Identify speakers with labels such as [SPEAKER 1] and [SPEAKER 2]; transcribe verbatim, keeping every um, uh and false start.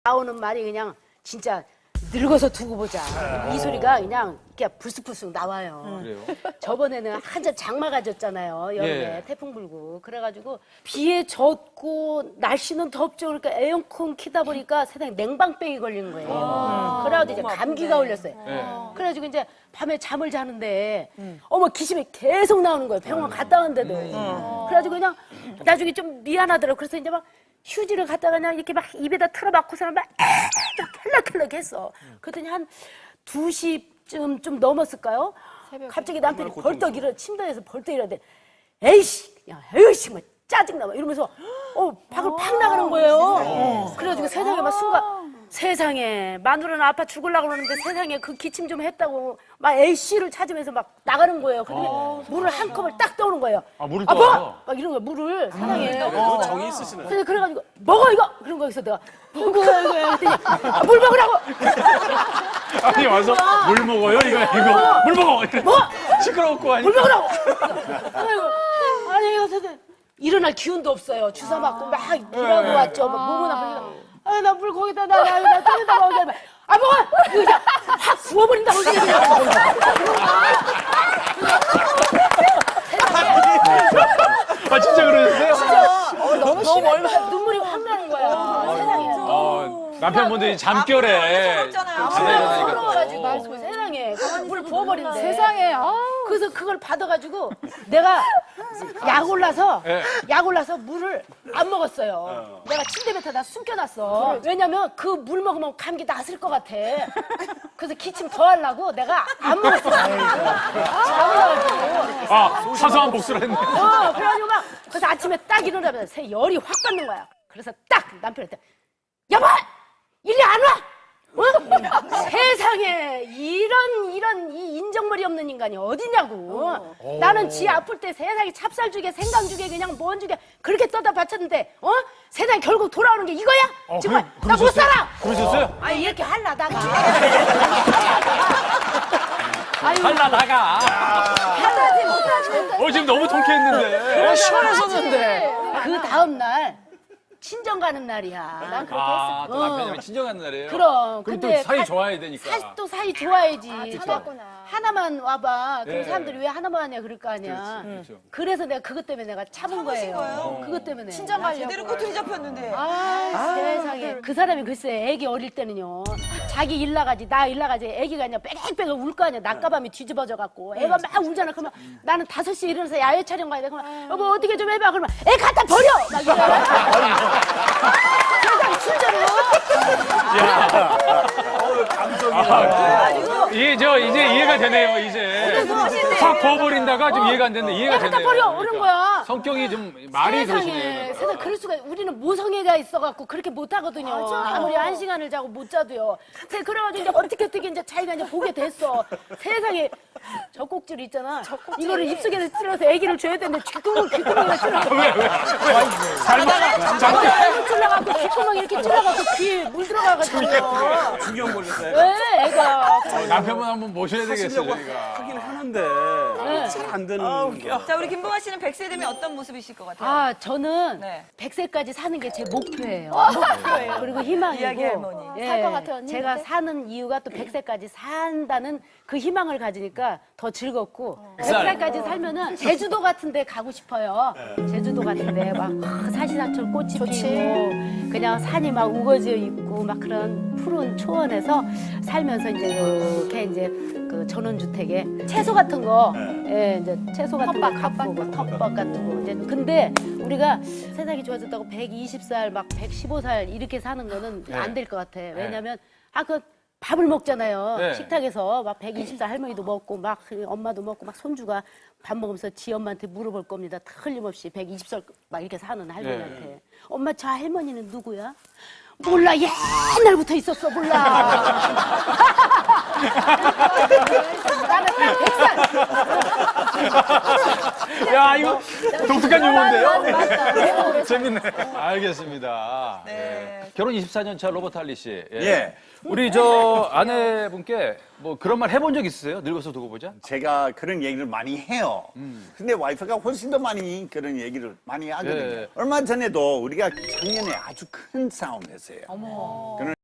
[SPEAKER 1] 나오는 말이 그냥 진짜 늙어서 두고 보자. 이 소리가 그냥 이렇게 불쑥불쑥 나와요.
[SPEAKER 2] 음.
[SPEAKER 3] 그래요?
[SPEAKER 1] 저번에는 한참 장마가 졌잖아요. 여름에
[SPEAKER 3] 예.
[SPEAKER 1] 태풍 불고. 그래가지고 비에 젖고 날씨는 덥죠. 그러니까 에어컨 키다 보니까 세상에 냉방병이 걸린 거예요.
[SPEAKER 2] 아,
[SPEAKER 1] 그래가지고 이제 감기가 걸렸어요.
[SPEAKER 3] 네.
[SPEAKER 1] 그래가지고 이제 밤에 잠을 자는데 어머 기침이 계속 나오는 거예요. 병원 갔다 왔는데도. 그래가지고 그냥 나중에 좀 미안하더라고요. 그래서 이제 막 휴지를 갖다가 그냥 이렇게 막 입에다 틀어막고서는 막 털럭털럭 했어. 그랬더니 한 두 시쯤 좀 넘었을까요? 갑자기 남편이 벌떡 일어, 침대에서 벌떡 일어나는데 에이씨, 야, 에이씨, 뭐 짜증나. 막 이러면서 어, 밖을 팍 나가는 거예요. 그래가지고 세상에 막 순간 세상에 마누라는 아파 죽으려고 그러는데 세상에 그 기침 좀 했다고 막 A씨를 찾으면서 막 나가는 거예요. 그러더니 물을 한 컵을 딱 떠오는 거예요.
[SPEAKER 3] 아, 물을
[SPEAKER 1] 아빠!
[SPEAKER 3] 떠와요?
[SPEAKER 1] 막 이런 거야, 물을 세상에.
[SPEAKER 2] 어, 정이 있으시네.
[SPEAKER 1] 그래서 그래가지고 먹어 이거! 그런 거여서 내가 먹어 이거 했더니 아, 물 먹으라고!
[SPEAKER 3] 아니 와서 물 먹어요 이거 이거 물 먹어 이래.
[SPEAKER 1] 뭐?
[SPEAKER 3] 시끄럽고 아니
[SPEAKER 1] 물 먹으라고! 아이고, 아니 이거 선생님 일어날 기운도 없어요. 주사 맞고 막 일하고 왔죠. 막 몸은 아프니까 아, 나 물 거기다 나, 나, 나 뜯어다 먹어. 아, 먹어! 이거 그냥 확 부어버린다고 그냥.
[SPEAKER 3] 아 진짜 그러셨어요?
[SPEAKER 1] 어, 너무 심해. 눈물이 확 나는 거야. 세상에.
[SPEAKER 3] 어, 남편분들이 잠결에 잠에 일어나니까
[SPEAKER 1] 서러워가지고 세상에 물 부어버린대.
[SPEAKER 4] 세상에. 아.
[SPEAKER 1] 그래서 그걸 받아가지고 내가 약 올라서
[SPEAKER 3] 예.
[SPEAKER 1] 약 올라서 물을 안 먹었어요. 내가 침대 밑에다 숨겨놨어. 왜냐면 그 물 먹으면 감기 났을 것 같아. 그래서 기침 더 하려고 내가 안 먹었어. 잡으려가지고.
[SPEAKER 3] 아 사소한 복수를 했네.
[SPEAKER 1] 어, 그래가지고 막 그래서 아침에 딱 일어나면 새 열이 확 받는 거야. 그래서 딱 남편한테 여보! 일리 안 와! 어? 세상에 이런 이런 이 인정머리 없는 인간이 어디냐고. 나는 지 아플 때 세상에 찹쌀죽에 생강죽에 그냥 뭔죽에 그렇게 떠다 바쳤는데 어? 세상에 결국 돌아오는 게 이거야?
[SPEAKER 3] 어,
[SPEAKER 1] 정말
[SPEAKER 3] 그래-
[SPEAKER 1] 나 못
[SPEAKER 3] 그러셨어요?
[SPEAKER 1] 살아.
[SPEAKER 3] 그러셨어요?
[SPEAKER 1] 아니 이렇게 할라다가
[SPEAKER 3] 할라 나가.
[SPEAKER 1] 할라지 못하지.
[SPEAKER 3] 어 지금 너무 통쾌했는데.
[SPEAKER 4] 어, 시원했었는데.
[SPEAKER 1] 그 다음 날 친정 가는 날이야. 난 그렇게
[SPEAKER 3] 아,
[SPEAKER 1] 했어.
[SPEAKER 3] 또
[SPEAKER 1] 어.
[SPEAKER 3] 남편이랑 친정하는 날이에요.
[SPEAKER 1] 그럼.
[SPEAKER 3] 그럼
[SPEAKER 1] 근데
[SPEAKER 3] 또 사이
[SPEAKER 1] 가-
[SPEAKER 3] 좋아야 되니까.
[SPEAKER 1] 사, 또 사이 좋아야지.
[SPEAKER 4] 참았구나.
[SPEAKER 1] 하나만 와봐. 그럼
[SPEAKER 3] 예.
[SPEAKER 1] 사람들이 왜 하나만 하냐 그럴 거 아니야.
[SPEAKER 3] 그렇지, 그렇죠.
[SPEAKER 1] 그래서 내가 그것 때문에 내가 참은 거예요.
[SPEAKER 5] 거예요?
[SPEAKER 1] 그것 때문에.
[SPEAKER 4] 친정 가려고.
[SPEAKER 5] 제대로 꼬투리 잡혔는데.
[SPEAKER 1] 아, 세상에. 그 사람이 글쎄 애기 어릴 때는요. 자기 일 나가지 나 일 나가지 애기가 그냥 빽빽 울 거 아니야. 낮가밤이 뒤집어져 갖고. 애가 막 울잖아. 그러면 나는 다섯 시에 일어나서 야외 촬영 가야 돼. 그러면 여보 어떻게 좀 해봐. 그러면 애 갖다 버려. 막 이래. 세상 진짜로.
[SPEAKER 3] 아, 이게 저 이제 이해가 되네요 이제. 확 부어버린다가 좀 이해가 안 되는데 이해가
[SPEAKER 1] 애 갖다
[SPEAKER 3] 되네요.
[SPEAKER 1] 버려. 그런 거야.
[SPEAKER 3] 성격이 좀 말이
[SPEAKER 1] 세상에,
[SPEAKER 3] 그러시네요.
[SPEAKER 1] 세상 그럴 수가 우리는 모성애가 있어갖고 그렇게 못 하거든요. 아무리 한 시간을 자고 못 자도요. 그래, 그래가지고 이제 어떻게 어떻게 이제 자기가 이제 보게 됐어. 세상에 젖꼭질 있잖아. 이거를 입속에 찔러서 아기를 줘야 되는데 귓구멍 귓구멍에 찔러갖고
[SPEAKER 3] 왜 왜? 왜? 잘못 잘못.
[SPEAKER 1] 잘못 찔러갖고 귓구멍 이렇게 찔러갖고 귀에 물 들어가가지고.
[SPEAKER 2] 신경 걸렸어요.
[SPEAKER 1] 왜 애가?
[SPEAKER 3] 남편분 한번 모셔야 되겠어요
[SPEAKER 2] 하시려고
[SPEAKER 3] 저희가.
[SPEAKER 2] 하긴 하는데 잘 안 되는 거.
[SPEAKER 5] 자, 우리 김보아 씨는 백 세 되면 어떤 모습이실 것 같아요?
[SPEAKER 1] 아 저는
[SPEAKER 5] 네.
[SPEAKER 1] 백 세까지 사는 게 제 목표예요. 그리고 희망이고.
[SPEAKER 5] 이야기 할머니.
[SPEAKER 1] 예,
[SPEAKER 4] 살것 같아요, 언니,
[SPEAKER 1] 제가
[SPEAKER 4] 근데?
[SPEAKER 1] 사는 이유가 또 백 세까지 산다는 그 희망을 가지니까 더 즐겁고 백
[SPEAKER 3] 살.
[SPEAKER 1] 살까지 살면은 제주도 같은 데 가고 싶어요. 제주도 같은 데 막 사시사철 꽃이 피고 그냥 산이 막 우거지어 있고 막 그런 푸른 초원에서 살면서 이제 이렇게 이제 그 전원주택에 채소 같은 거 예, 이제 채소 같은 거 가꾸고 텃밭 같은 거 이제 근데 우리가 세상이 좋아졌다고 백이십 살 막 백십오 살 이렇게 사는 거는 안 될 것 같아. 왜냐면 아 그 밥을 먹잖아요.
[SPEAKER 3] 네.
[SPEAKER 1] 식탁에서 막 백이십 살 할머니도 먹고 막 엄마도 먹고 막 손주가 밥 먹으면서 지 엄마한테 물어볼 겁니다. 틀림없이 백이십 살 막 이렇게 사는 할머니한테. 엄마 저 할머니는 누구야? 몰라 옛날부터 있었어 몰라. 나는 딱 백살.
[SPEAKER 3] 야, 이거 독특한 용어인데요?
[SPEAKER 1] 맞아, 맞아. 내가 그랬어.
[SPEAKER 3] 재밌네. 알겠습니다.
[SPEAKER 5] 네.
[SPEAKER 3] 예. 결혼 이십사 년 차 로버트 할리 씨. 예.
[SPEAKER 6] 예.
[SPEAKER 3] 우리 저 아내분께 뭐 그런 말 해본 적 있으세요? 늙어서 두고 보자?
[SPEAKER 6] 제가 그런 얘기를 많이 해요. 근데 와이프가 훨씬 더 많이 그런 얘기를 많이 하거든요.
[SPEAKER 3] 예.
[SPEAKER 6] 얼마 전에도 우리가 작년에 아주 큰 싸움 했어요. 그런